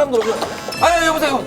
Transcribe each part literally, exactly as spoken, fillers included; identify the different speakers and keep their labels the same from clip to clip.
Speaker 1: 한번 들어보세요. 아, 여보세요.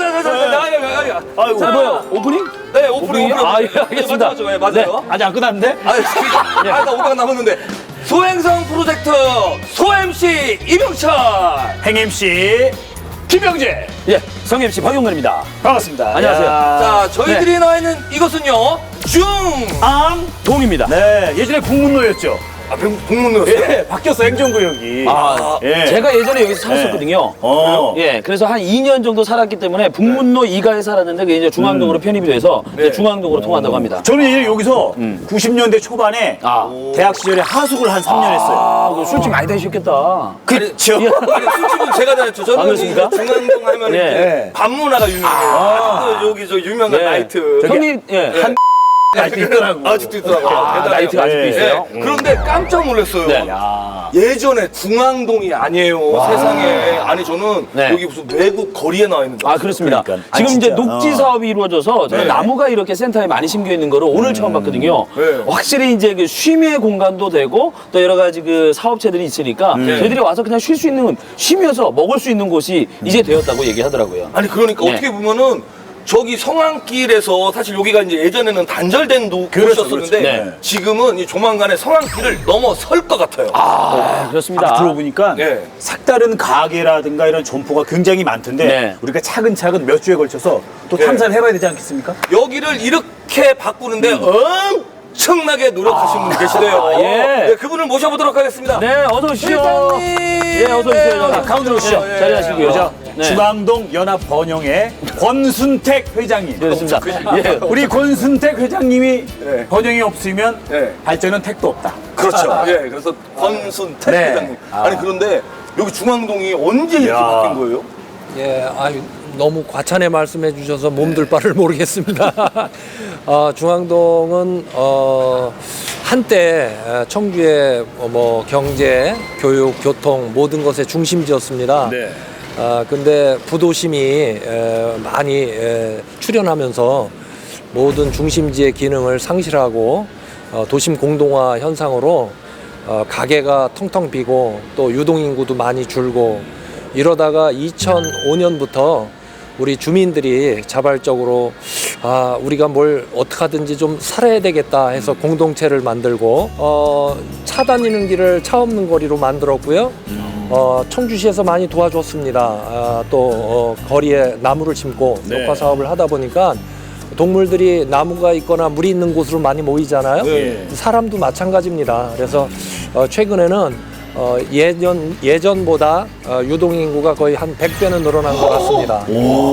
Speaker 1: 자자자자자.
Speaker 2: 아이고, 뭐야? 오프닝?
Speaker 1: 네, 오프닝.
Speaker 2: 아, 예, 알겠습니다.
Speaker 1: 맞죠, 맞죠. 네, 맞아요.
Speaker 2: 네, 아직 안 끝났는데?
Speaker 1: 아, 아, 나 오백 원 남았는데. 소행성 프로젝트 소 엠씨 이병철.
Speaker 2: 행 엠씨 김병재.
Speaker 3: 예, 성 엠씨 박용근입니다.
Speaker 2: 반갑습니다.
Speaker 3: 안녕하세요.
Speaker 1: 자, 저희들이 나와 있는 이것은요. 중.
Speaker 2: 앙.
Speaker 3: 동입니다.
Speaker 2: 네, 예전에 국문로였죠.
Speaker 1: 아, 북문로였어요.
Speaker 2: 예, 바뀌었어, 행정구역이.
Speaker 3: 아,
Speaker 2: 예.
Speaker 3: 제가 예전에 여기서 살았었거든요.
Speaker 2: 어.
Speaker 3: 예, 그래서 한 이 년 정도 살았기 때문에 북문로 이 가에 살았는데 그게 이제 중앙동으로 편입이 돼서 이제 중앙동으로 통한다고 합니다.
Speaker 2: 저는 예전에 여기서 구십 년대 초반에
Speaker 3: 아.
Speaker 2: 대학 시절에 하숙을 한 삼 년 했어요.
Speaker 3: 아, 그 술집 많이 다니셨겠다.
Speaker 2: 그렇죠.
Speaker 1: 아니, 술집은 제가 다녔죠.
Speaker 3: 아,
Speaker 1: 저는
Speaker 3: 그렇습니까?
Speaker 1: 이 중앙동 하면
Speaker 3: 예.
Speaker 1: 이제 밤문화가 유명해요. 아. 여기 저 유명한
Speaker 3: 예.
Speaker 1: 나이트.
Speaker 3: 형님, 예.
Speaker 1: 한
Speaker 2: 아직도 있더라고.
Speaker 1: 아직도 있더라고요.
Speaker 3: 아,
Speaker 1: 대단해요.
Speaker 3: 나이트가 아직도
Speaker 2: 예.
Speaker 3: 있어요?
Speaker 1: 네. 그런데 깜짝 놀랐어요.
Speaker 3: 네.
Speaker 2: 야.
Speaker 1: 예전에 중앙동이 아니에요. 세상에. 아니 저는
Speaker 3: 네.
Speaker 1: 여기 무슨 외국 거리에 나와 있는 거.
Speaker 3: 아, 그렇습니다.
Speaker 2: 그러니까. 아,
Speaker 3: 지금 이제
Speaker 2: 진짜.
Speaker 3: 녹지
Speaker 2: 어.
Speaker 3: 사업이 이루어져서 저는
Speaker 1: 네.
Speaker 3: 나무가 이렇게 센터에 많이 심겨 있는 거를 오늘 처음 봤거든요.
Speaker 1: 네.
Speaker 3: 확실히 이제 그 쉼의 공간도 되고 또 여러 가지 그 사업체들이 있으니까 저희들이 와서 그냥 쉴 수 있는, 쉬면서 먹을 수 있는 곳이 이제 되었다고 얘기하더라고요.
Speaker 1: 아니 그러니까
Speaker 3: 네.
Speaker 1: 어떻게 보면은 저기 성안길에서 사실 여기가 이제 예전에는 단절된 도-
Speaker 2: 그렇죠,
Speaker 1: 곳이었었는데
Speaker 3: 그렇죠. 네.
Speaker 1: 지금은 이 조만간에 성안길을 넘어설 것 같아요.
Speaker 3: 아, 그렇습니다.
Speaker 2: 아, 들어보니까
Speaker 1: 네.
Speaker 2: 색다른 가게라든가 이런 점포가 굉장히 많던데
Speaker 3: 네.
Speaker 2: 우리가 차근차근 몇 주에 걸쳐서 또
Speaker 1: 네.
Speaker 2: 탐사를 해봐야 되지 않겠습니까?
Speaker 1: 여기를 이렇게 바꾸는데 엄청나게 노력하신 분이 계시대요.
Speaker 3: 아, 예.
Speaker 1: 네, 그분을 모셔보도록 하겠습니다.
Speaker 3: 네, 어서 오시죠.
Speaker 1: 회장님.
Speaker 3: 예, 어서 오세요.
Speaker 1: 네,
Speaker 3: 자, 가운데로 오시죠.
Speaker 1: 예, 예.
Speaker 3: 자리하시고요.
Speaker 2: 그죠?
Speaker 3: 네.
Speaker 2: 중앙동 연합 번영의 권순택 회장님.
Speaker 3: 그렇습니다. 예.
Speaker 2: 우리 권순택 회장님이
Speaker 1: 네.
Speaker 2: 번영이 없으면
Speaker 1: 네.
Speaker 2: 발전은 택도 없다.
Speaker 1: 그렇죠. 예, 그래서 권순택
Speaker 2: 네.
Speaker 1: 회장님.
Speaker 2: 아.
Speaker 1: 아니 그런데 여기 중앙동이 언제 이렇게
Speaker 2: 야.
Speaker 1: 바뀐 거예요?
Speaker 4: 예, 아유, 너무 과찬에 말씀해 주셔서 몸둘 바를 모르겠습니다. 어, 중앙동은 어, 한때 청주의 뭐 경제, 교육, 교통 모든 것의 중심지였습니다.
Speaker 2: 네.
Speaker 4: 아, 근데 부도심이 에, 많이 에, 출현하면서 모든 중심지의 기능을 상실하고 어, 도심 공동화 현상으로 어, 가게가 텅텅 비고 또 유동인구도 많이 줄고 이러다가 이천오 년부터 우리 주민들이 자발적으로 아 우리가 뭘 어떻게 하든지 좀 살아야 되겠다 해서 공동체를 만들고 어, 차 다니는 길을 차 없는 거리로 만들었고요. 어, 청주시에서 많이 도와줬습니다. 아, 또 어, 거리에 나무를 심고
Speaker 2: 네.
Speaker 4: 녹화 사업을 하다 보니까 동물들이 나무가 있거나 물이 있는 곳으로 많이 모이잖아요.
Speaker 2: 네.
Speaker 4: 사람도 마찬가지입니다. 그래서 어, 최근에는 어, 예전, 예전보다 어, 유동인구가 거의 한 백 배는 늘어난 것 같습니다.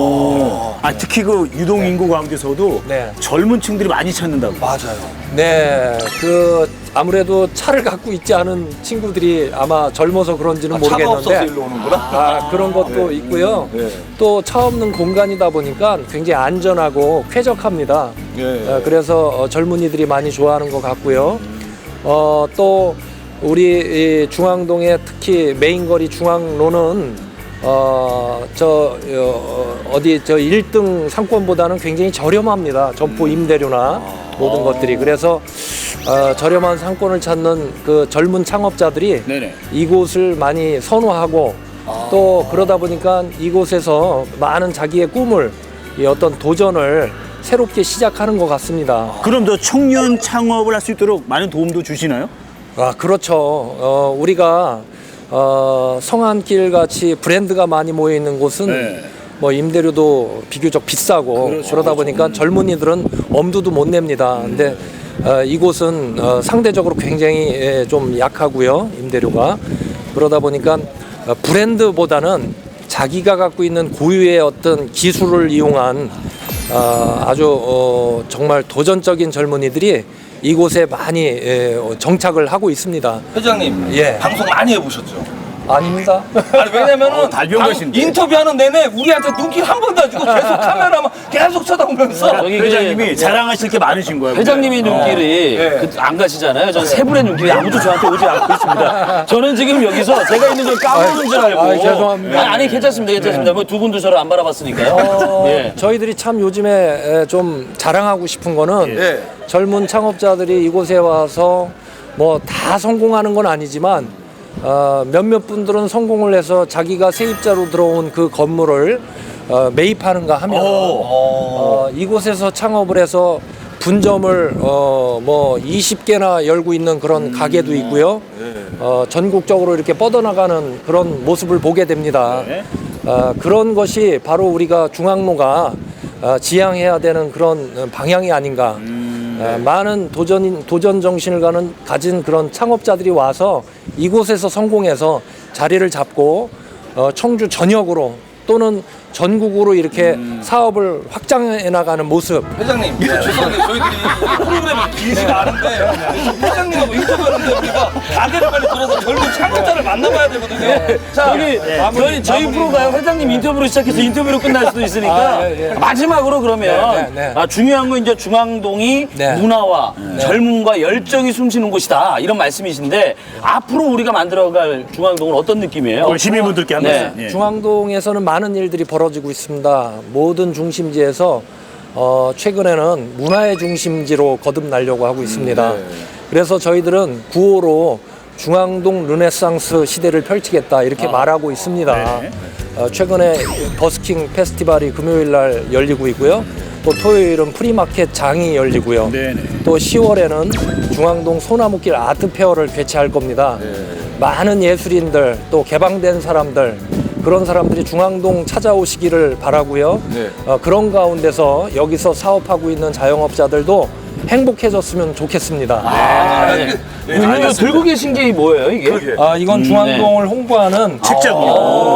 Speaker 2: 오. 아, 특히 그 유동인구 가운데서도
Speaker 4: 네.
Speaker 2: 젊은 층들이 많이 찾는다고.
Speaker 1: 맞아요.
Speaker 4: 네, 그 아무래도 차를 갖고 있지 않은 친구들이 아마 젊어서 그런지는
Speaker 1: 차가 없어서
Speaker 4: 모르겠는데
Speaker 1: 일로 오는구나.
Speaker 4: 아, 그런 것도 있고요.
Speaker 1: 네.
Speaker 4: 또 차 없는 공간이다 보니까 굉장히 안전하고 쾌적합니다.
Speaker 1: 예.
Speaker 4: 어, 그래서 어, 젊은이들이 많이 좋아하는 것 같고요. 어, 또 우리 이 중앙동의 특히 메인거리 중앙로는 어, 저 어, 어디 저 일 등 상권보다는 굉장히 저렴합니다. 점포 임대료나 모든 것들이. 그래서 어, 저렴한 상권을 찾는 그 젊은 창업자들이
Speaker 2: 네네.
Speaker 4: 이곳을 많이 선호하고 또 그러다 보니까 이곳에서 많은 자기의 꿈을 이 어떤 도전을 새롭게 시작하는 것 같습니다.
Speaker 2: 그럼 더 청년 창업을 할 수 있도록 많은 도움도 주시나요?
Speaker 4: 아, 그렇죠. 어, 우리가 어, 성안길 같이 브랜드가 많이 모여 있는 곳은
Speaker 2: 네.
Speaker 4: 뭐 임대료도 비교적 비싸고
Speaker 2: 그렇죠,
Speaker 4: 그러다 보니까 젊은이들은 엄두도 못 냅니다. 근데 어, 이곳은 어, 상대적으로 굉장히 예, 좀 약하고요. 임대료가. 그러다 보니까 어, 브랜드보다는 자기가 갖고 있는 고유의 어떤 기술을 이용한 어, 아주 어, 정말 도전적인 젊은이들이 이곳에 많이 예, 정착을 하고 있습니다.
Speaker 1: 회장님,
Speaker 4: 예.
Speaker 1: 방송 많이 해보셨죠?
Speaker 4: 아닙니다.
Speaker 1: 아니 왜냐면은
Speaker 2: 어, 달병가신데.
Speaker 1: 인터뷰하는 내내 우리한테 눈길 한 번도 안 주고 계속 카메라만 계속 쳐다보면서
Speaker 3: 저기 그
Speaker 2: 회장님이 자랑하실 게 많으신 거예요.
Speaker 3: 회장님의 눈길이
Speaker 1: 네.
Speaker 3: 그, 안 가시잖아요. 저는 세 분의 눈길이 아무도 저한테 오지 않고 있습니다. 저는 지금 여기서 제가 있는 걸 까먹는 줄 알고.
Speaker 4: 아이, 죄송합니다.
Speaker 3: 아니, 아니, 괜찮습니다. 괜찮습니다. 뭐 두 분도 저를 안 바라봤으니까요.
Speaker 4: 어,
Speaker 3: 예.
Speaker 4: 저희들이 참 요즘에 에, 좀 자랑하고 싶은 거는
Speaker 1: 예.
Speaker 4: 젊은 창업자들이 이곳에 와서 뭐 다 성공하는 건 아니지만 어, 몇몇 분들은 성공을 해서 자기가 세입자로 들어온 그 건물을 어, 매입하는가 하면 어, 이곳에서 창업을 해서 분점을 어, 뭐 이십 개나 열고 있는 그런 가게도 있고요. 어, 전국적으로 이렇게 뻗어나가는 그런 모습을 보게 됩니다. 어, 그런 것이 바로 우리가 중앙로가 어, 지향해야 되는 그런 방향이 아닌가. 어, 많은 도전, 도전 정신을 가는, 가진 그런 창업자들이 와서 이곳에서 성공해서 자리를 잡고 어, 청주 전역으로 또는 전국으로 이렇게
Speaker 1: 음.
Speaker 4: 사업을 확장해 나가는 모습.
Speaker 1: 회장님, 예, 죄송한데 저희들이 이 프로그램이 길지가 않은데 회장님하고 인터뷰하는데 우리가 가게를 빨리 돌아서 젊은 창업자를 만나봐야 되거든요. 자,
Speaker 3: 저희, 저희, 저희 프로가요, 회장님 인터뷰로 시작해서 인터뷰로 끝날 수도 있으니까,
Speaker 4: 아, 예, 예.
Speaker 3: 마지막으로 그러면,
Speaker 4: 네, 네, 네.
Speaker 3: 아, 중요한 건 이제 중앙동이
Speaker 4: 네.
Speaker 3: 문화와 젊음과 열정이 숨쉬는 곳이다. 이런 말씀이신데, 앞으로 우리가 만들어갈 중앙동은 어떤 느낌이에요?
Speaker 2: 우리 시민분들께 한
Speaker 3: 네.
Speaker 2: 말씀. 예.
Speaker 4: 중앙동에서는 많은 일들이 벌어지고 있습니다. 모든 중심지에서 어, 최근에는 문화의 중심지로 거듭나려고 하고 있습니다. 그래서 저희들은 구호로 중앙동 르네상스 시대를 펼치겠다 이렇게 말하고 있습니다. 어, 최근에 버스킹 페스티벌이 금요일 날 열리고 있고요. 또 토요일은 프리마켓 장이 열리고요.
Speaker 2: 네네.
Speaker 4: 또 시월에는 중앙동 소나무길 아트페어를 개최할 겁니다. 많은 예술인들 또 개방된 사람들 그런 사람들이 중앙동 찾아오시기를 바라고요.
Speaker 1: 네.
Speaker 4: 어, 그런 가운데서 여기서 사업하고 있는 자영업자들도 행복해졌으면 좋겠습니다.
Speaker 3: 아, 네. 이거 들고 계신 게 뭐예요, 이게?
Speaker 4: 아, 이건 중앙동을 홍보하는
Speaker 2: 책자군요.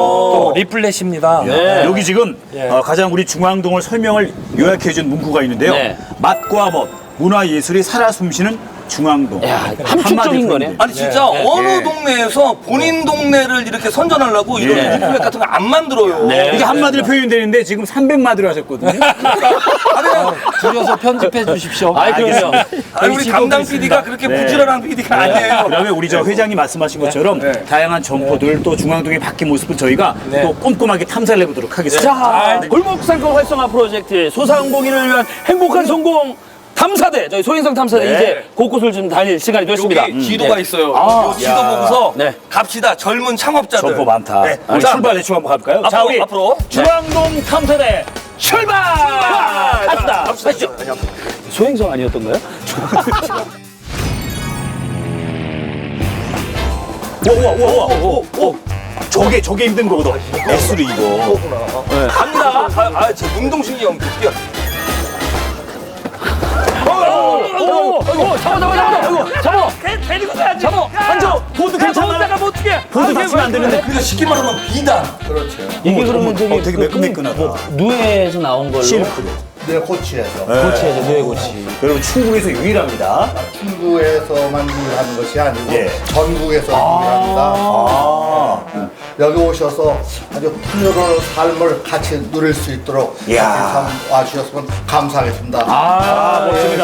Speaker 4: 또 리플렛입니다.
Speaker 3: 네.
Speaker 2: 여기 지금
Speaker 4: 예.
Speaker 2: 어, 가장 우리 중앙동을 설명을 요약해준 문구가 있는데요.
Speaker 3: 네.
Speaker 2: 맛과 멋, 문화예술이 살아 숨쉬는 중앙동.
Speaker 3: 야, 함축적인 거네.
Speaker 1: 아니 진짜 어느 동네에서 본인 동네를 이렇게 선전하려고 이런
Speaker 2: 예.
Speaker 1: 리플렛 같은 거 안 만들어요.
Speaker 3: 네.
Speaker 2: 이게 한마디로 표현되는데 지금 삼백마디로 하셨거든요.
Speaker 4: 줄여서 편집해 주십시오.
Speaker 3: 아이, 그럼요.
Speaker 1: 아니, 우리 담당 피디가 그렇게
Speaker 2: 네.
Speaker 1: 부지런한 피디가 아니에요.
Speaker 2: 그다음에 우리 저 회장이 말씀하신 것처럼
Speaker 1: 네.
Speaker 2: 다양한 점포들 또 중앙동의 바뀐 모습을 저희가 또 꼼꼼하게 탐사를 해보도록 하겠습니다.
Speaker 3: 자, 골목 상권 활성화 프로젝트 소상공인을 위한 행복한 성공 탐사대, 저희 소행성 탐사대
Speaker 2: 네.
Speaker 3: 이제 곳곳을 좀 다닐 시간이 됐습니다.
Speaker 1: 여기 지도가
Speaker 3: 네.
Speaker 1: 있어요.
Speaker 3: 아,
Speaker 1: 요 지도 보고서
Speaker 3: 네.
Speaker 1: 갑시다. 젊은 창업자들.
Speaker 2: 점포 많다.
Speaker 1: 네.
Speaker 2: 우리
Speaker 1: 자,
Speaker 2: 출발 대충 한번 가볼까요? 자,
Speaker 1: 앞으로,
Speaker 2: 우리
Speaker 1: 앞으로.
Speaker 3: 중앙동 탐사대 출발! 갑시다. 가시죠. 소행성 아니었던가요?
Speaker 2: 오오오오 오. 저게 저게 힘든 거거든. S로 이거.
Speaker 1: 갑니다. 아, 아, 제 운동신경이 엄청 뛰어.
Speaker 3: 오, 오, 잡아, 잡아, 잡아, 잡아. 데리고 가야지. 잡아, 앉아.
Speaker 2: 보드 괜찮아?
Speaker 3: 내가 못 뛰게.
Speaker 2: 보드 다치면 안 되는데.
Speaker 1: 그래서 쉽게 말하면 비단. 그렇죠.
Speaker 3: 이게 그러면 저기
Speaker 2: 어, 되게 매끈매끈하다.
Speaker 3: 누에에서 나온 걸로.
Speaker 2: 실크로.
Speaker 5: 네, 고치에서.
Speaker 3: 고치에서 누에 고치.
Speaker 2: 여러분 충북에서 유일합니다.
Speaker 5: 충북에서만 유일하는 것이 아니고
Speaker 2: 예.
Speaker 5: 전국에서 유일합니다.
Speaker 2: 아.
Speaker 5: 네. 여기 오셔서 아주 풍요로운 삶을 같이 누릴 수 있도록
Speaker 2: 이야.
Speaker 5: 이렇게 와주셨으면 감사하겠습니다.
Speaker 2: 아, 멋집니다.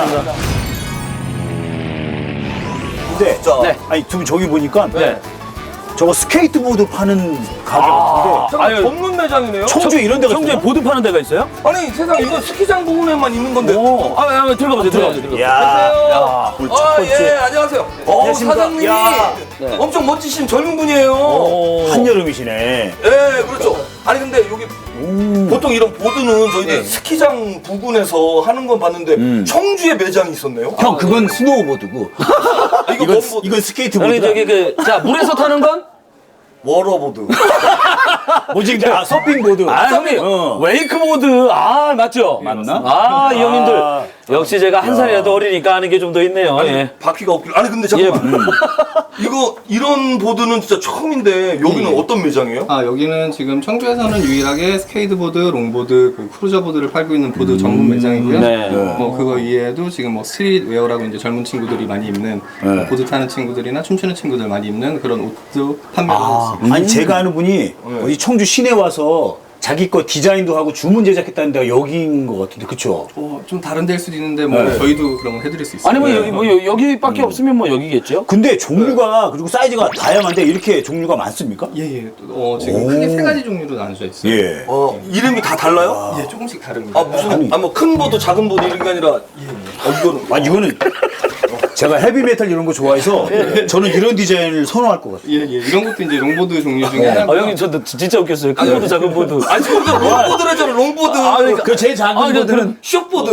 Speaker 2: 근데
Speaker 1: 자,
Speaker 3: 네.
Speaker 2: 아니 두 분 저기 보니까
Speaker 3: 네.
Speaker 2: 저거 스케이트보드 파는 가게 같은데
Speaker 1: 아유, 전문 매장이네요.
Speaker 2: 청주에 이런 데가
Speaker 3: 청주에
Speaker 2: 있어요?
Speaker 3: 보드 파는 데가 있어요?
Speaker 1: 아니 세상 이거 스키장 부근에만 있는 건데.
Speaker 3: 오. 아, 아, 들어가 보세요. 들어가 보세요. 들어가.
Speaker 2: 야,
Speaker 1: 안녕하세요.
Speaker 2: 오늘 첫
Speaker 1: 아,
Speaker 2: 번째.
Speaker 1: 예, 안녕하세요. 어,
Speaker 2: 안녕하십니까.
Speaker 1: 사장님이
Speaker 2: 야.
Speaker 3: 네.
Speaker 1: 엄청 멋지신 젊은 분이에요.
Speaker 3: 오.
Speaker 2: 한여름이시네.
Speaker 1: 예, 그렇죠. 아니 근데 여기 보통 이런 보드는 저희들 스키장 부근에서 하는 건 봤는데 청주에 매장이 있었네요.
Speaker 2: 형 그건 스노우보드고
Speaker 1: 아, 이거
Speaker 2: 이건
Speaker 1: 뭔 보드?
Speaker 2: 이건
Speaker 3: 여기
Speaker 2: 스케이트보드.
Speaker 3: 저기 그, 자, 물에서 타는 건?
Speaker 1: 워러보드.
Speaker 2: 뭐지 이제 아 서핑보드.
Speaker 3: 아, 형님.
Speaker 2: 어.
Speaker 3: 웨이크보드. 아, 맞죠?
Speaker 2: 맞나?
Speaker 3: 아, 이 형님들.
Speaker 2: 아.
Speaker 3: 역시 제가 한 살이라도 어리니까 아는 게 좀 더 있네요.
Speaker 1: 아니
Speaker 3: 예.
Speaker 1: 바퀴가 없길. 아니 근데 잠깐만. 이거 이런 보드는 진짜 처음인데 여기는
Speaker 6: 예.
Speaker 1: 어떤 매장이에요?
Speaker 6: 아 여기는 지금 청주에서는 유일하게 스케이트보드, 롱보드, 그 크루저보드를 팔고 있는 보드 전문 매장이고요.
Speaker 3: 네.
Speaker 6: 뭐 그거 이외에도 지금 뭐 스트릿웨어라고 이제 젊은 친구들이 많이 입는 뭐 보드 타는 친구들이나 춤추는 친구들 많이 입는 그런 옷도 판매를 하고
Speaker 2: 아,
Speaker 6: 있습니다.
Speaker 2: 아니 제가 아는 분이 어디 청주 시내 와서 자기 거 디자인도 하고 주문 제작했다는 데가 여기인 것 같은데 그쵸?
Speaker 6: 어, 좀 다른 데일 수도 있는데 뭐
Speaker 2: 네.
Speaker 6: 저희도 그런 걸 해드릴 수 있어요.
Speaker 3: 아니, 뭐, 여기, 뭐, 여- 여기밖에 없으면 뭐 여기겠죠?
Speaker 2: 근데 종류가 그리고 사이즈가 다양한데 이렇게 종류가 많습니까?
Speaker 6: 예예. 어, 지금 크게 세 가지 종류로 나눠져 있어요.
Speaker 2: 예.
Speaker 1: 어 이름이 다 달라요?
Speaker 6: 예, 조금씩 다릅니다.
Speaker 1: 아 무슨 아 뭐 큰 보드 작은 보드 이런 게 아니라 아 이거는
Speaker 2: 아 이거는 제가 헤비메탈 이런 거 좋아해서 저는 이런 디자인을 선호할 것 같아요.
Speaker 6: 예, 예. 이런 것도 이제 롱보드 종류 중에
Speaker 3: 아,
Speaker 6: 하나고요.
Speaker 3: 형님, 저도 진짜 웃겼어요. 큰 보드, 작은 보드.
Speaker 1: 아니 지금 롱보드라잖아 롱보드.
Speaker 3: 아, 그러니까.
Speaker 2: 그 제일 작은
Speaker 3: 아,
Speaker 2: 보드는
Speaker 1: 숏보드.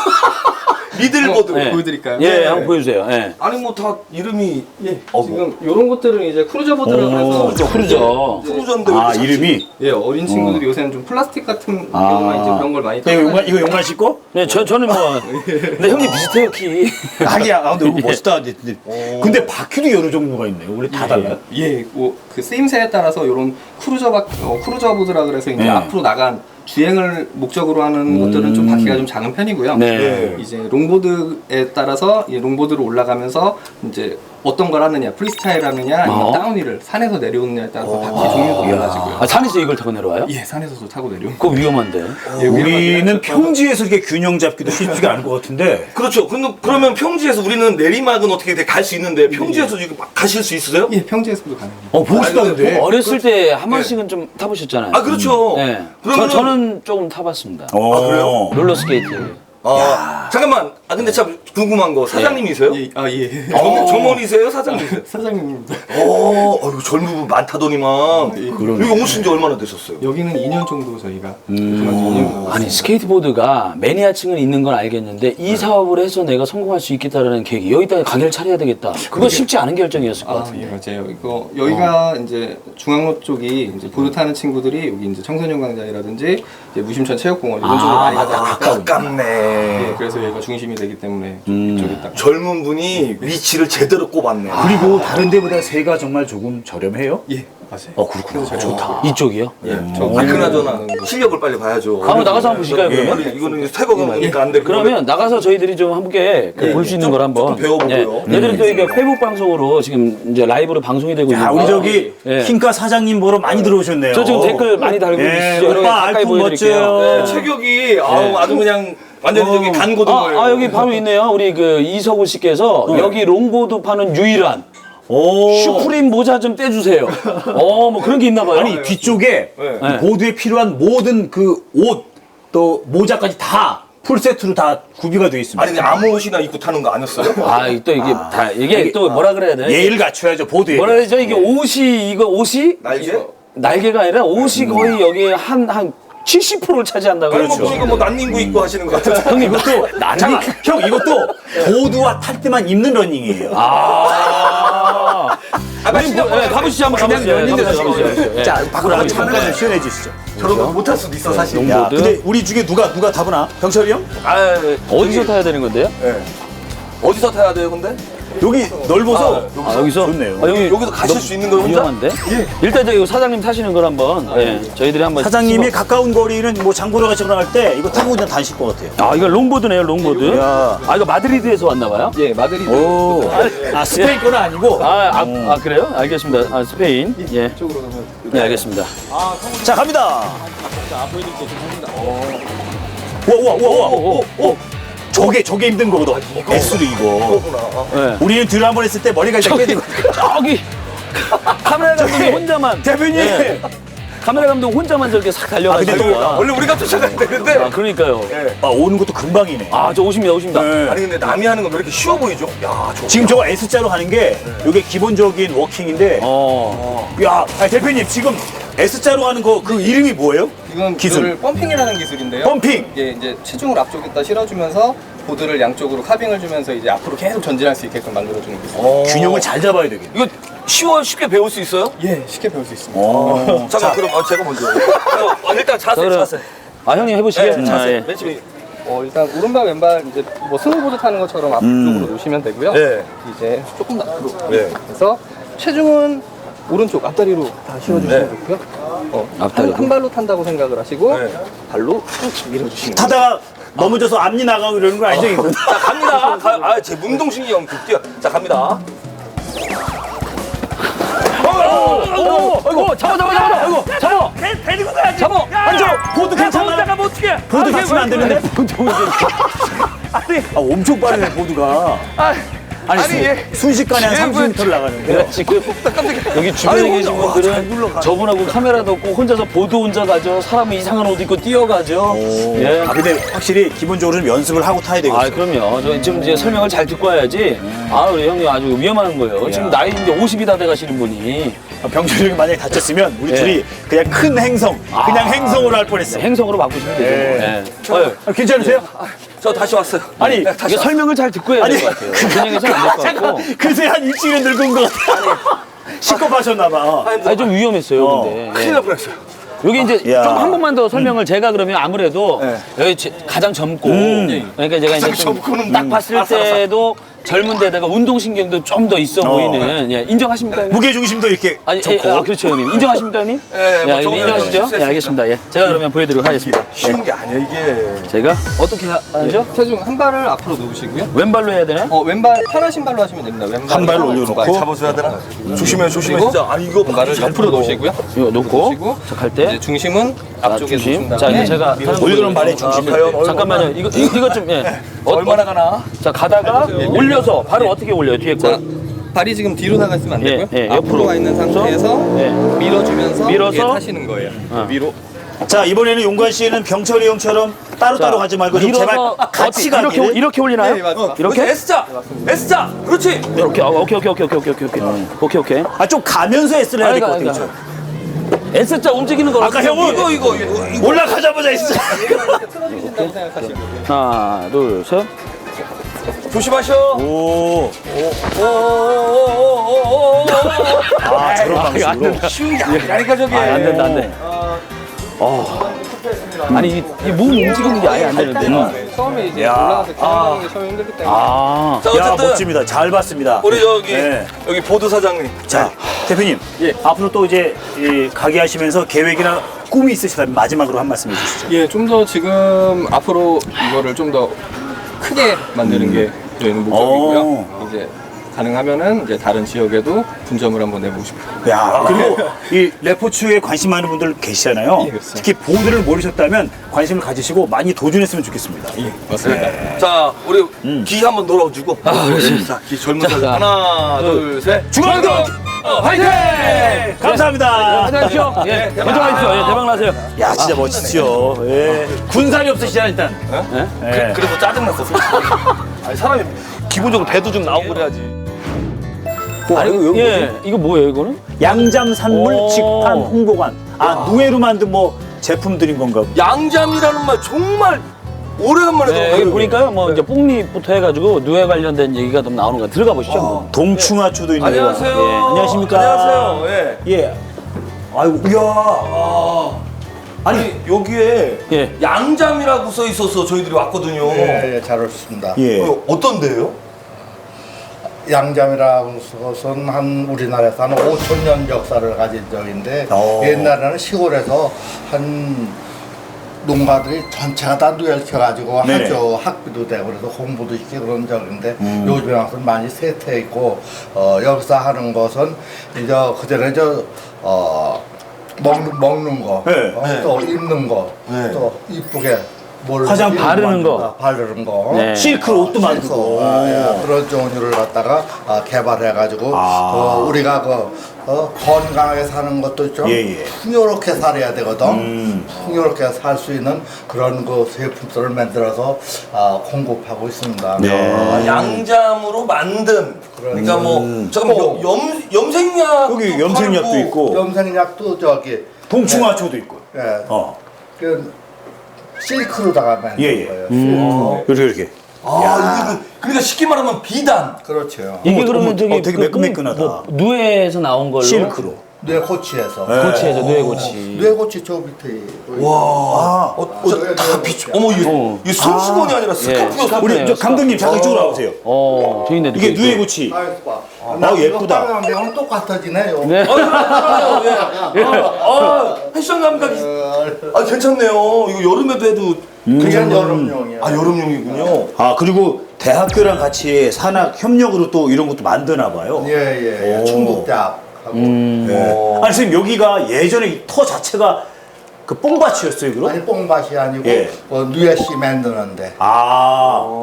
Speaker 1: 미들보드.
Speaker 3: 네.
Speaker 6: 보여드릴까요?
Speaker 3: 예, 한번 보여주세요. 예.
Speaker 1: 아니 뭐 다 이름이
Speaker 6: 예.
Speaker 1: 어,
Speaker 6: 지금 이런 것들은 이제 크루저 보드라고 해서
Speaker 3: 크루저.
Speaker 1: 크루저인데
Speaker 2: 아 이름이
Speaker 6: 예, 어린 친구들이 요새는 좀 플라스틱 같은
Speaker 2: 아.
Speaker 6: 경우만 이제 그런 걸 많이
Speaker 2: 이거 용만 이거 용만 씻고?
Speaker 3: 네, 저, 저는 뭐. 근데 형님 비슷해요, 키.
Speaker 2: 하기야. 아 근데 이거 멋있다. 근데, 근데 바퀴도 여러 종류가 있네요. 원래 다 달라요?
Speaker 6: 예, 뭐 그 쓰임새에 따라서 이런 크루저 바, 어, 크루저 보드라 그래서 이제
Speaker 2: 네.
Speaker 6: 앞으로 나간 주행을 목적으로 하는 것들은 좀 바퀴가 좀 작은 편이고요.
Speaker 3: 네.
Speaker 6: 이제 롱보드에 따라서 이 롱보드로 올라가면서 이제 어떤 걸 하느냐, 프리스타일 하느냐, 아니면
Speaker 3: 어.
Speaker 6: 다운힐을 산에서 내려오느냐에 따라서 바퀴 종류도 달라지고요.
Speaker 3: 아, 산에서 이걸 타고 내려와요?
Speaker 6: 예, 산에서도 타고 내려오고.
Speaker 3: 그거 위험한데.
Speaker 6: 예,
Speaker 2: 우리는 평지에서 이렇게 균형 잡기도 쉽지가 않을 것 같은데.
Speaker 1: 그렇죠. 근데 그러면 평지에서 우리는 내리막은 어떻게 갈 수 있는데 평지에서 지금 막 가실 수 있어요?
Speaker 6: 예, 평지에서도 가능합니다.
Speaker 2: 어 보고 싶다는데.
Speaker 3: 어렸을 때 한 번씩은 좀 타보셨잖아요.
Speaker 1: 아 그렇죠.
Speaker 3: 네.
Speaker 1: 그러면은
Speaker 3: 저, 저는 조금 타봤습니다.
Speaker 2: 어.
Speaker 1: 그래요?
Speaker 3: 롤러스케이트.
Speaker 1: 아, 잠깐만. 아 근데 참 궁금한 거 사장님이세요?
Speaker 6: 예, 아 예.
Speaker 1: 점, 점원이세요? 사장님이세요?
Speaker 6: 사장님입니다.
Speaker 1: 어, 어이구 젊은 분 많다더니만. 여기 오신 지 얼마나 되셨어요?
Speaker 6: 여기는 이 년 정도 저희가 그만 이 년 정도.
Speaker 3: 아니 스케이트보드가 매니아층은 있는 건 알겠는데 이 사업을 해서 내가 성공할 수 있겠다라는 계획이 여기다 가게를 차려야 되겠다. 그거 쉽지 않은 결정이었을 것
Speaker 6: 아,
Speaker 3: 같은데.
Speaker 6: 예, 맞아요. 이거 여기가 이제 중앙로 쪽이 이제 보드 타는 친구들이 여기 이제 청소년 광장이라든지 이제 무심천 체육공원 이런 쪽으로 많이 가다 보니까
Speaker 1: 가깝네.
Speaker 6: 예, 그래서 여기가 중심이 되기 때문에 이쪽에 딱
Speaker 1: 젊은 분이 위치를 제대로 꼽았네.
Speaker 2: 그리고 다른 데보다 세가 정말 조금 저렴해요?
Speaker 6: 예, 맞아요.
Speaker 2: 어 그렇구나. 좋다.
Speaker 3: 이쪽이요?
Speaker 6: 예, 저
Speaker 1: 아, 그나저나 실력을 빨리 봐야죠.
Speaker 3: 한번 나가서 한번 보실까요,
Speaker 1: 예,
Speaker 3: 그러면?
Speaker 1: 아니, 이거는 새거니까 안 돼.
Speaker 3: 그러면 나가서 저희들이 좀 함께 볼 수 있는 걸 한번
Speaker 1: 좀 배워보고요.
Speaker 3: 예. 얘들은 또 이게 페북 방송으로 지금 이제 라이브로 방송이 되고
Speaker 2: 야,
Speaker 3: 있는데
Speaker 2: 우리 저기
Speaker 3: 예.
Speaker 2: 킹카 사장님 보러 많이 들어오셨네요.
Speaker 3: 저 지금 댓글 많이 달고
Speaker 2: 예,
Speaker 3: 계시죠?
Speaker 2: 오빠
Speaker 3: 가까이
Speaker 2: 알품
Speaker 3: 보여드릴게요.
Speaker 2: 멋져요.
Speaker 3: 예.
Speaker 1: 체격이 아우, 아주 그냥 완전히 저기 간 고등어예요.
Speaker 3: 아, 아, 여기 바로 있네요. 우리 그 이석우 씨께서 여기 롱보드 파는 유일한
Speaker 2: 오.
Speaker 3: 슈프림 모자 좀 떼주세요. 어, 뭐 그런 게 있나 봐요.
Speaker 2: 아니 뒤쪽에
Speaker 3: 네.
Speaker 2: 보드에 필요한 모든 그 옷 또 모자까지 다 풀세트로 다 구비가 되어 있습니다.
Speaker 1: 아니 근데 아무 옷이나 입고 타는 거 아니었어요?
Speaker 3: 아, 또 이게 다 이게 또 뭐라 그래야 되나?
Speaker 2: 예의를 갖춰야죠 보드에.
Speaker 3: 뭐라 그러죠? 이게 옷이 이거 옷이
Speaker 1: 날개?
Speaker 3: 날개가 아니라 옷이 거의 여기에 한 한 칠십 퍼센트를 차지한다고
Speaker 1: 아니 뭐
Speaker 3: 그렇죠.
Speaker 1: 보니까 뭐 난닝구 입고 하시는 것 같은데.
Speaker 2: 형님 이것도 잠깐 형 이것도 보드와 탈 때만 입는 러닝이에요.
Speaker 3: 아.
Speaker 1: 아, 빨리 시작.
Speaker 3: 네, 가보시죠. 한번
Speaker 2: 그냥
Speaker 3: 가보시죠.
Speaker 2: 연인들
Speaker 3: 가보시죠. 가보시죠. 예.
Speaker 2: 자 밖으로 한번 잠깐 시연해 주시죠.
Speaker 1: 저런 거 못할 수도 있어 사실.
Speaker 2: 야,
Speaker 3: 롱보드.
Speaker 2: 근데 우리 중에 누가 누가 타보나? 병철이 형?
Speaker 1: 아,
Speaker 3: 어디서 타야 되는 건데요?
Speaker 1: 어디서 타야 돼요, 근데?
Speaker 2: 여기 넓어서
Speaker 3: 아, 여기서?
Speaker 2: 좋네요.
Speaker 3: 아, 여기
Speaker 1: 여기서 가실 수 있는 거예요, 혼자?
Speaker 3: 위험한데? 일단 저기 사장님 타시는 걸 한번 예, 저희들이 한번
Speaker 2: 사장님이
Speaker 3: 씹어-
Speaker 2: 가까운 거리는 뭐 장보러 가시거나 할 때 이거 타고 그냥 다니실 것 같아요.
Speaker 3: 아 이거 롱보드네요 롱보드.
Speaker 2: 야.
Speaker 3: 아 이거 마드리드에서 왔나 봐요?
Speaker 6: 예, 마드리드
Speaker 2: 오. 아 스페인 거는 아니고.
Speaker 3: 아, 아, 아 그래요? 알겠습니다. 아 스페인. 예.
Speaker 6: 쪽으로 가면
Speaker 3: 네 알겠습니다.
Speaker 2: 자 갑니다. 우와 우와 우와 우와. 오, 저게 저게 힘든 거거든. S로 이거.
Speaker 3: 네.
Speaker 2: 우리는 들 한번 했을 때 머리가 이렇게 깨지고.
Speaker 3: 저기 카메라 감독이 혼자만
Speaker 2: 대표님.
Speaker 3: 예. 카메라 감독 혼자만 저렇게 싹 달려가지고.
Speaker 2: 아, 근데 또
Speaker 1: 원래 우리가 쫓아가야 되는데.
Speaker 3: 아 그러니까요.
Speaker 2: 아 오는 것도 금방이네.
Speaker 3: 아 저 오십니다 오십니다.
Speaker 2: 네.
Speaker 1: 아니 근데 남이 하는 건 왜 이렇게 쉬워 보이죠? 야, 저.
Speaker 2: 지금 저거 S자로 하는 게 이게 기본적인 워킹인데.
Speaker 3: 어.
Speaker 2: 야 아니, 대표님 지금 S자로 하는 거 그 이름이 뭐예요?
Speaker 6: 이건
Speaker 2: 기술.
Speaker 6: 기술 펌핑이라는 기술인데요.
Speaker 2: 펌핑.
Speaker 6: 예, 이제 체중을 앞쪽에다 실어주면서 보드를 양쪽으로 카빙을 주면서 이제 앞으로 계속 전진할 수 있게끔 만들어주는 기술.
Speaker 2: 균형을 잘 잡아야 되겠네.
Speaker 1: 이거 쉬워 쉽게 배울 수 있어요?
Speaker 6: 예, 쉽게 배울 수 있습니다.
Speaker 2: 어.
Speaker 1: 잠깐 그럼 아, 제가 먼저. 어, 일단 자세
Speaker 3: 그럼-
Speaker 1: 자세.
Speaker 3: 아 형님 해보시게.
Speaker 1: 네, 자세.
Speaker 3: 아, 예.
Speaker 1: 맨 처음에.
Speaker 6: 어, 일단 오른발 왼발 이제 뭐 스노보드 타는 것처럼 앞쪽으로 놓으시면 되고요.
Speaker 1: 네.
Speaker 6: 이제 조금 더 앞으로
Speaker 1: 네.
Speaker 6: 해서 체중은 오른쪽 앞다리로 다 실어주시면
Speaker 1: 네.
Speaker 6: 좋고요. 어,
Speaker 3: 앞다리로?
Speaker 6: 한, 한 발로 탄다고 생각을 하시고
Speaker 1: 네.
Speaker 6: 발로 쭉 밀어주시면 돼요.
Speaker 2: 타다가 넘어져서 앞니 나가고 이러는 거 아니죠 이거?
Speaker 1: 자 갑니다. 가, 아, 제 운동신경이 엄청 뛰어. 자 갑니다.
Speaker 3: 어, 아이고 잡아 잡아 잡아. 아이고 잡아.
Speaker 2: 데리고 가야지.
Speaker 3: 잡아.
Speaker 2: 앉아. 보드 괜찮아?
Speaker 3: 가면 어떡해?
Speaker 2: 보드 다치면 안 되는데?
Speaker 3: 보드
Speaker 2: 아 엄청 빠르네 보드가.
Speaker 3: 아,
Speaker 2: 아니, 수- 순식간에 한 삼십 미터를 나가는데요.
Speaker 3: 내가 지금 여기 주변에 계신 분들은 저분하고 카메라도 없고 혼자서 보드 혼자 가죠. 사람은 이상한 옷 입고 뛰어가죠. 예.
Speaker 2: 아, 근데 확실히 기본적으로 좀 연습을 하고 타야 되겠어요.
Speaker 3: 아, 그럼요. 저 지금 이제 설명을 잘 듣고 와야지. 아, 우리 형님 아주 위험한 거예요. 지금 나이 이제 오십이 다 돼 가시는 분이.
Speaker 2: 병철이 형이 만약에 다쳤으면 우리
Speaker 3: 예.
Speaker 2: 둘이 그냥 큰 행성, 그냥 행성으로 할 뻔했어.
Speaker 3: 행성으로 바꾸시면 되죠.
Speaker 2: 예.
Speaker 3: 예. 어휴,
Speaker 2: 아, 괜찮으세요?
Speaker 1: 저 다시 왔어요.
Speaker 2: 아니,
Speaker 3: 이게 설명을 잘 듣고 해야 될 것 같아요. 그냥 해서는 안 될 것 같고.
Speaker 2: 글쎄 한 일주일은 늙은 것 같아. 식겁하셨나봐.
Speaker 3: 아니, 좀 위험했어요,
Speaker 2: 어.
Speaker 3: 근데.
Speaker 1: 큰일 날 뻔했어요.
Speaker 3: 여기 이제
Speaker 2: 야.
Speaker 3: 좀 한 번만 더 설명을 제가 그러면 아무래도 여기 제- 가장 젊고 그러니까 제가 이제 좀 딱 봤을 때도 젊은 데다가 운동신경도 좀 더 있어 보이는 예, 인정하십니까? 형님?
Speaker 2: 무게 중심도 이렇게
Speaker 3: 아니, 예,
Speaker 2: 좋고.
Speaker 3: 아, 그렇죠, 형님. 인정하십니까, 형님?
Speaker 1: 예,
Speaker 3: 예,
Speaker 1: 뭐
Speaker 3: 형님
Speaker 1: 저거
Speaker 3: 인정하시죠?
Speaker 1: 했어요.
Speaker 3: 예, 알겠습니다. 예. 제가 그러면 보여드리도록 하겠습니다.
Speaker 1: 쉬운 게 아니야 이게.
Speaker 3: 제가 어떻게 하- 하죠?
Speaker 6: 체중 한 발을 앞으로 놓으시고요.
Speaker 3: 왼발로 해야 되나?
Speaker 6: 어, 왼발 편한 신발로 하시면 됩니다. 왼발
Speaker 2: 한 발을 올려놓고.
Speaker 1: 잡아줘야 되나? 조심해 조심해
Speaker 6: 그리고
Speaker 1: 진짜. 아니 이거
Speaker 6: 발을 옆으로 놓으시고요.
Speaker 3: 이거 놓고
Speaker 6: 놓으시고
Speaker 3: 자, 갈
Speaker 6: 이제
Speaker 3: 때.
Speaker 6: 중심은
Speaker 3: 자,
Speaker 6: 앞쪽에
Speaker 3: 중심.
Speaker 6: 놓으신
Speaker 3: 자,
Speaker 6: 다음에
Speaker 3: 이제 제가 하는 거
Speaker 2: 올려놓은 발의
Speaker 3: 보여드릴게요.
Speaker 2: 중심.
Speaker 1: 과연
Speaker 3: 잠깐만요. 이거 이거, 이거 좀 예. 어,
Speaker 1: 얼마나 가나?
Speaker 3: 자, 가다가 올려서 발을 어떻게 올려요? 뒤에 거.
Speaker 6: 자, 발이 지금 뒤로 나가 있으면 안
Speaker 3: 예,
Speaker 6: 되고요.
Speaker 3: 예,
Speaker 6: 앞으로
Speaker 3: 옆으로.
Speaker 6: 가 있는 상태에서
Speaker 3: 예.
Speaker 6: 밀어주면서
Speaker 3: 밀어서
Speaker 6: 이게 타시는 거예요. 위로.
Speaker 2: 자, 이번에는 용관 씨는 병철이 형처럼 따로따로 가지 말고 좀 제발
Speaker 3: 밀어서
Speaker 2: 같이
Speaker 3: 어떻게- 이렇게
Speaker 2: 가기를.
Speaker 3: 이렇게 올리나요?
Speaker 6: 네, 맞습니다.
Speaker 3: 이렇게?
Speaker 1: S자, S자, 그렇지.
Speaker 3: 이렇게. 아, 오케이 오케이 오케이 오케이 오케이 오케이 오케이 오케이.
Speaker 2: 아, 좀 가면서 S를 해야 될 것
Speaker 3: 아니,
Speaker 2: 같아요.
Speaker 3: 아니, S자 움직이는 거.
Speaker 2: 아까 형은
Speaker 1: 이거 이거 이거 이거.
Speaker 2: 올라가자마자 S.
Speaker 6: 틀어진다고 생각하시고.
Speaker 3: 하나, 둘, 셋.
Speaker 1: 조심하셔.
Speaker 2: 오.
Speaker 1: 오오오오오오오.
Speaker 2: 아, 저런 방식으로.
Speaker 1: 쉬운 게 아니라니까 저게.
Speaker 3: 아, 안 된다 안 돼. 어. 아니 이몸 움직이는 게 아예 안 되는데.
Speaker 6: 네, 처음에 이제
Speaker 2: 야.
Speaker 6: 올라가서 기능하는 게 처음에 힘들기 때문에.
Speaker 3: 아.
Speaker 1: 자
Speaker 2: 야,
Speaker 1: 어쨌든
Speaker 2: 멋집니다. 잘 봤습니다.
Speaker 1: 우리 저기
Speaker 2: 네.
Speaker 1: 여기 보드 사장님.
Speaker 2: 자, 대표님.
Speaker 3: 예.
Speaker 2: 앞으로 또 이제 이 가게 하시면서 계획이나 꿈이 있으시다면 마지막으로 한 말씀 해주시죠.
Speaker 6: 예, 좀 더 지금 앞으로 이거를 좀 더 크게 만드는 게 저희는 목적이고요.
Speaker 2: 오.
Speaker 6: 이제 가능하면은 이제 다른 지역에도 분점을 한번 내보고 싶어요.
Speaker 2: 야, 그리고 이 레포츠에 관심 많은 분들 계시잖아요.
Speaker 6: 예, 그렇습니다.
Speaker 2: 특히 보드를 모르셨다면 관심을 가지시고 많이 도전했으면 좋겠습니다.
Speaker 6: 예, 맞습니다.
Speaker 1: 자 우리 기 한번 놀아주고. 아 그렇지. 자, 기 젊은 사장. 하나, 둘, 셋.
Speaker 2: 중앙동
Speaker 1: 어, 화이팅!
Speaker 2: 감사합니다.
Speaker 3: 안녕하십시오. 예. 대박나십시오. 예, 대박나세요.
Speaker 2: 야, 진짜 멋지죠. 예. 군살이 없으시잖아 일단. 예.
Speaker 1: 그래서 짜증났어. 솔직히. 아니 사람이 기본적으로 배도 좀 나오고 그래야지.
Speaker 3: 아니, 예. 이거 뭐예요, 이거는?
Speaker 2: 양잠산물
Speaker 3: 오.
Speaker 2: 직판 홍보관. 아, 누에로 만든 뭐 제품들인 건가?
Speaker 1: 양잠이라는 말 정말 오래간만에
Speaker 3: 네,
Speaker 1: 들어요.
Speaker 3: 여기 보니까요, 뭐 이제 뽕잎부터 해가지고 누에 관련된 얘기가 좀 나오는 거 들어가 보시죠. 한번.
Speaker 2: 동충하초도 있네요.
Speaker 1: 안녕하세요.
Speaker 3: 예.
Speaker 2: 안녕하십니까?
Speaker 1: 안녕하세요. 예.
Speaker 2: 예. 아이고, 이야.
Speaker 1: 아, 아니 여기에
Speaker 3: 예.
Speaker 1: 양잠이라고 써 있어서 저희들이 왔거든요.
Speaker 5: 예, 예, 잘 오셨습니다.
Speaker 2: 예.
Speaker 1: 어, 어떤데요?
Speaker 5: 양잠이라는 것은 한 우리나라에서 한 오천 년 역사를 가진 적인데
Speaker 2: 오.
Speaker 5: 옛날에는 시골에서 한 농가들이 전체가 다 누에를 켜가지고
Speaker 2: 네네.
Speaker 5: 하죠. 학비도 되고 그래서 공부도 시키고 그런 적인데 요즘에 와서 많이 쇠퇴해 있고 어, 여기서 하는 것은 이제 그전에 저 어, 먹는, 먹는 거,
Speaker 2: 네.
Speaker 5: 어,
Speaker 1: 네.
Speaker 5: 또 입는 거,
Speaker 1: 네.
Speaker 5: 또 이쁘게 뭘
Speaker 2: 화장
Speaker 3: 바르는 거.
Speaker 5: 아, 바르는 거.
Speaker 3: 네.
Speaker 2: 실크 옷도 만들고.
Speaker 5: 아, 예, 그런 종류를 갖다가 아, 개발해가지고
Speaker 2: 아.
Speaker 5: 어, 우리가 그 어, 건강하게 사는 것도 좀
Speaker 2: 예, 예.
Speaker 5: 풍요롭게 살아야 되거든.
Speaker 2: 음.
Speaker 5: 풍요롭게 살 수 있는 그런 그 제품들을 만들어서 아, 공급하고 있습니다.
Speaker 2: 네.
Speaker 1: 아, 양잠으로 만든. 그러니까 뭐 잠깐
Speaker 5: 어.
Speaker 1: 염 염색약
Speaker 2: 여기 염색약도 있고
Speaker 5: 염색약도 저기
Speaker 2: 동충하초도 있고.
Speaker 5: 예,
Speaker 2: 어.
Speaker 5: 그 실크로다가 만든
Speaker 2: 예, 예.
Speaker 5: 거예요.
Speaker 2: 음.
Speaker 5: 실크.
Speaker 2: 이렇게 이렇게.
Speaker 1: 아 이게 그, 그러니까 쉽게 말하면 비단.
Speaker 5: 그렇죠.
Speaker 3: 이게
Speaker 2: 어머,
Speaker 3: 그러면
Speaker 2: 어머,
Speaker 3: 저기
Speaker 2: 어, 되게
Speaker 3: 그
Speaker 2: 매끈매끈하다.
Speaker 3: 뭐 누에에서 나온 걸로
Speaker 2: 실크로.
Speaker 5: 뇌 고치에서.
Speaker 2: 네.
Speaker 3: 고치에서 누에 고치.
Speaker 5: 뇌 고치 저 밑에.
Speaker 1: 와.
Speaker 2: 아,
Speaker 1: 어, 어, 다 비추. 어머 이
Speaker 3: 어.
Speaker 1: 이 손수건이 아니라 스카프였어.
Speaker 2: 우리
Speaker 3: 네,
Speaker 2: 저 감독님 잠깐 이쪽으로 와보세요.
Speaker 3: 어, 저기 있네.
Speaker 2: 이게 누에 고치.
Speaker 5: 나
Speaker 2: 아, 예쁘다.
Speaker 5: 내가 똑같아지네요.
Speaker 3: 네.
Speaker 1: 아, 예. 아, 패션 감각이. 아, 괜찮네요. 이거 여름에도 해도
Speaker 5: 그게 여름용이야.
Speaker 1: 아, 여름용이군요.
Speaker 2: 아, 그리고 대학교랑 같이 산학 협력으로 또 이런 것도 만드나 봐요.
Speaker 5: 예예.
Speaker 2: 오.
Speaker 5: 충북대학하고.
Speaker 2: 네. 아니 선생님 여기가 예전에 이 터 자체가 그 뽕밭이었어요, 그럼?
Speaker 5: 아니 뽕밭이 아니고
Speaker 2: 예.
Speaker 5: 어, 누에씨 만드는데.
Speaker 2: 아,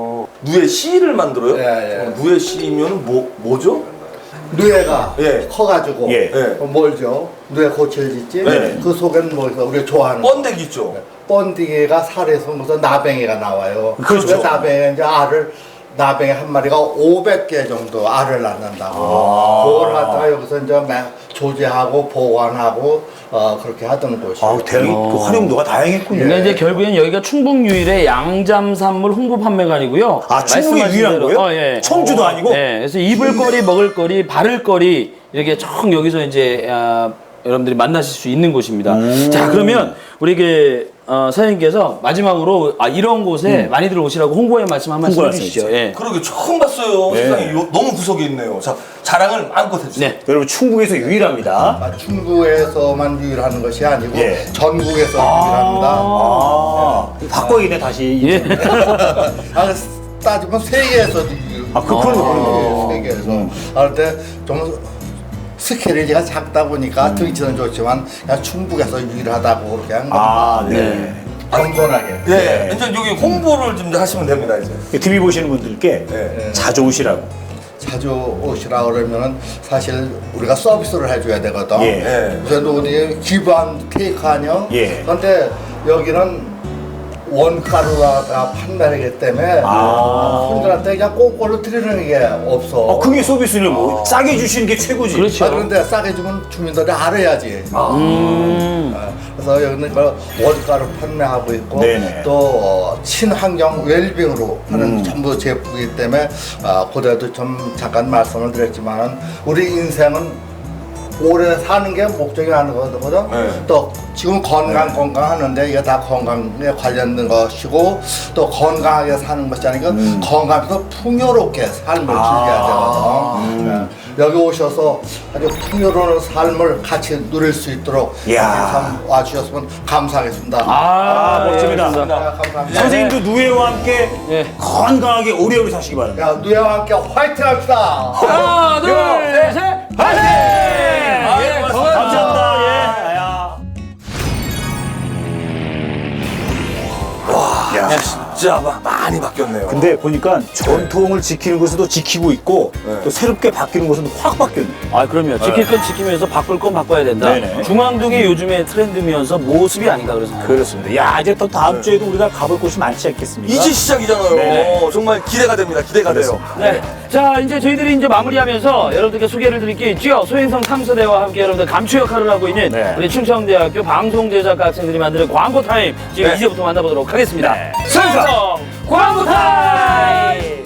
Speaker 1: 누에 씨를 만들어요?
Speaker 5: 예, 예.
Speaker 1: 어, 누에 씨면 뭐 뭐죠?
Speaker 5: 누에가
Speaker 1: 예.
Speaker 5: 커가지고
Speaker 2: 예.
Speaker 1: 예.
Speaker 5: 어, 뭘죠? 누에 고칠 짓지?
Speaker 1: 네.
Speaker 5: 그 속에는 뭐 있어? 우리가 좋아하는 거.
Speaker 1: 번데기 있죠.
Speaker 5: 번데기가 살에서 무슨 나뱅이가 나와요.
Speaker 2: 그렇죠.
Speaker 5: 그 나뱅이 이제 알을 나뱅이 한 마리가 오백 개 정도 알을 낳는다고. 그걸 갖다가 여기서 이제 매- 조제하고 보관하고 어, 그렇게 하던 곳이에요.
Speaker 2: 아, 대그 활용도가 다양했군요.
Speaker 3: 그러니까 이제 결국엔 여기가 충북 유일의 양잠산물 홍보 판매관이고요.
Speaker 2: 아, 충북이
Speaker 3: 말씀하신
Speaker 2: 유일한
Speaker 3: 대로,
Speaker 2: 거예요?
Speaker 3: 어, 예.
Speaker 2: 청주도 아니고?
Speaker 3: 네, 그래서 입을 거리, 먹을 거리, 바를 거리 이렇게 총 여기서 이제 아, 여러분들이 만나실 수 있는 곳입니다. 자, 그러면 우리 그 어, 사장님께서 마지막으로 아, 이런 곳에 많이들 오시라고 홍보의 말씀 한 말씀
Speaker 2: 홍보 말씀
Speaker 3: 해주시죠.
Speaker 2: 해주세요.
Speaker 3: 예.
Speaker 1: 그러게 처음 봤어요.
Speaker 2: 네.
Speaker 1: 세상에 요- 너무 구석에 있네요. 자, 자랑을 마음껏 해주세요.
Speaker 3: 네.
Speaker 2: 여러분 충북에서 유일합니다.
Speaker 5: 아, 충북에서만 유일하는 것이 아니고
Speaker 2: 예.
Speaker 5: 전국에서 유일합니다.
Speaker 2: 아, 바꿔이네 다시.
Speaker 3: 예.
Speaker 5: 아, 따지면 세계에서도 유일.
Speaker 2: 아, 그- 그런 거, 그런 거.
Speaker 5: 예, 세계에서. 아, 근데 좀 스케일이 제가 작다 보니까 등치는 좋지만 그냥 충북에서 유일하다고 그렇게 한 겁니다.
Speaker 2: 아, 네.
Speaker 5: 겸손하게.
Speaker 1: 예. 이제 여기 홍보를 좀 하시면 됩니다, 이제.
Speaker 2: 티비 보시는 분들께
Speaker 1: 예.
Speaker 2: 자주 오시라고.
Speaker 5: 자주 오시라 그러면은 사실 우리가 서비스를 해줘야 되거든.
Speaker 2: 예.
Speaker 1: 예.
Speaker 5: 우선 어디 기반 테이크 아니요?
Speaker 2: 예.
Speaker 5: 근데 여기는 원가루가 판매하기 때문에
Speaker 2: 아.
Speaker 5: 손님들한테 그냥 꽁꽁으로 드리는 게 없어.
Speaker 2: 어, 그게 서비스는 뭐 싸게 주시는 게 최고지.
Speaker 3: 그렇죠.
Speaker 5: 아, 그런데 싸게 주면 주민들이 알아야지.
Speaker 3: 음.
Speaker 5: 어, 그래서 여기는 그 원가로 판매하고 있고
Speaker 2: 네네.
Speaker 5: 또 어, 친환경 웰빙으로 하는
Speaker 2: 음.
Speaker 5: 전부 제품이기 때문에 어, 그때도 좀 잠깐 말씀을 드렸지만 우리 인생은 오래 사는 게 목적이 아닌 거거든.
Speaker 1: 네.
Speaker 5: 또 지금 건강 건강 하는데 이게 다 건강에 관련된 것이고 또 건강하게 사는 것이 아니고
Speaker 2: 음.
Speaker 5: 건강해서 풍요롭게 삶을 즐겨야 되거든. 네. 여기 오셔서 아주 풍요로운 삶을 같이 누릴 수 있도록
Speaker 2: 이야.
Speaker 5: 참 와주셨으면 감사하겠습니다.
Speaker 2: 아, 멋집니다.
Speaker 5: 네, 감사합니다.
Speaker 2: 선생님도 누에와 함께
Speaker 3: 예.
Speaker 2: 건강하게 오래오래 사시기 바랍니다.
Speaker 5: 야, 누에와 함께 화이팅 합시다.
Speaker 3: 하나, 둘, 셋, 파이팅!
Speaker 1: 예, 고맙습니다.
Speaker 2: 감사합니다. 예.
Speaker 1: 와,
Speaker 2: 야.
Speaker 1: 진짜 마- 많이 바뀌었네요.
Speaker 2: 근데 보니까 전통을 지키는 곳에도 지키고 있고
Speaker 1: 네.
Speaker 2: 또 새롭게 바뀌는 곳은 확 바뀌었네.
Speaker 3: 아, 그럼요. 지킬 건 지키면서 바꿀 건 바꿔야 된다.
Speaker 2: 네네.
Speaker 3: 중앙동이 요즘의 트렌드면서 모습이 아닌가 그래서.
Speaker 2: 그렇습니다. 야, 이제 또 다음 주에도 우리가 가볼 곳이 많지 않겠습니까?
Speaker 1: 이제 시작이잖아요.
Speaker 2: 네.
Speaker 1: 정말 기대가 됩니다. 기대가 돼요.
Speaker 3: 네. 자, 이제 저희들이 이제 마무리하면서 여러분들께 소개를 드릴 게 있죠. 소행성 탐사대와 함께 여러분들 감초 역할을 하고 있는
Speaker 2: 네.
Speaker 3: 우리 충청대학교 방송제작과 학생들이 만드는 광고 타임. 지금
Speaker 1: 네.
Speaker 3: 이제부터 만나보도록 하겠습니다.
Speaker 2: 네.
Speaker 3: 소행성 광고 타임!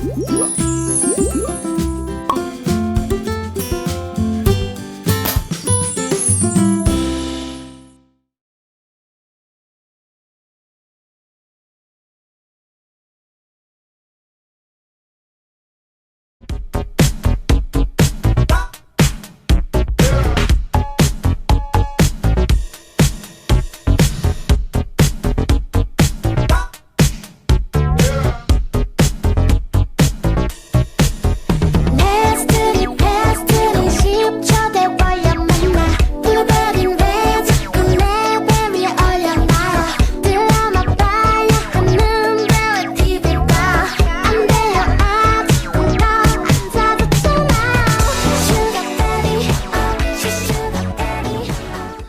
Speaker 7: Pastry, pastry, 십 초 대화야 만나 부가린 왠지 꿈에 뱀이 얼려놔요 드라마 봐야 하는데 왜 티비 봐 안 돼요 아직은 더 앉아뒀잖아 Sugar daddy, oh, she's sugar daddy, oh.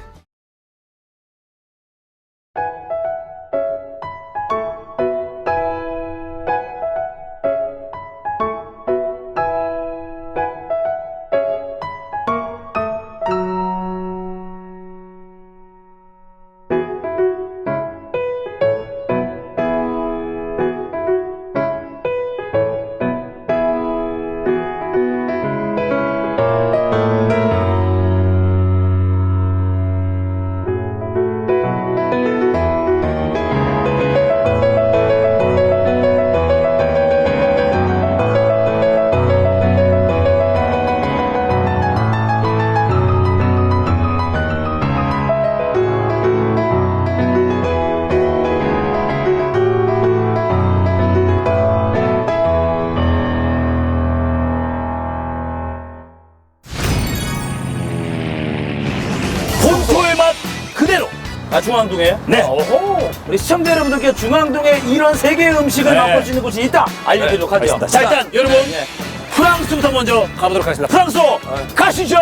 Speaker 3: 본토의 맛 그대로. 아, 중앙동에요?
Speaker 2: 네.
Speaker 3: 어호. 우리 시청자 여러분들께 중앙동에 이런 세계의 음식을
Speaker 2: 네.
Speaker 3: 맛볼 수 있는 곳이 있다 알려드리도록 하죠.
Speaker 2: 자, 일단 여러분
Speaker 3: 예.
Speaker 2: 프랑스부터 먼저 가보도록 하겠습니다. 프랑스 가시죠.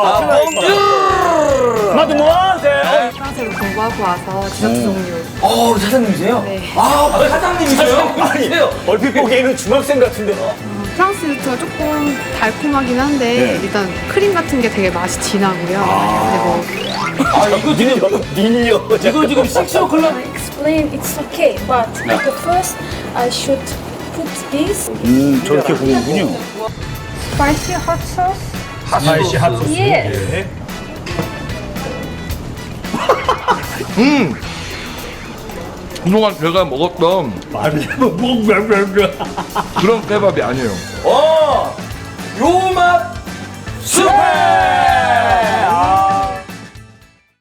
Speaker 2: 마드모아세.
Speaker 8: 프랑스에서 공부하고 와서 디저트 종류.
Speaker 3: 어 사장님이세요?
Speaker 8: 네.
Speaker 3: 아 사장님이세요?
Speaker 2: 아니 얼핏 보기에는 중학생 같은데.
Speaker 8: 프랑스 디저트가 조금 달콤하긴 한데
Speaker 2: 네.
Speaker 8: 일단 크림 같은 게 되게 맛이 진하고요. 근데 뭐
Speaker 3: 아 이거 지금
Speaker 2: 밀려.
Speaker 3: 이거 지금 식스 오클럽
Speaker 9: explain it's okay, but the first I should put this
Speaker 2: 음 저렇게 보는군요.
Speaker 9: spicy hot sauce.
Speaker 2: 스파이시 핫소스.
Speaker 9: Yes.
Speaker 10: 그동안 제가 먹었던 그런 케밥이 아니에요.
Speaker 3: 어! 요맛 스페!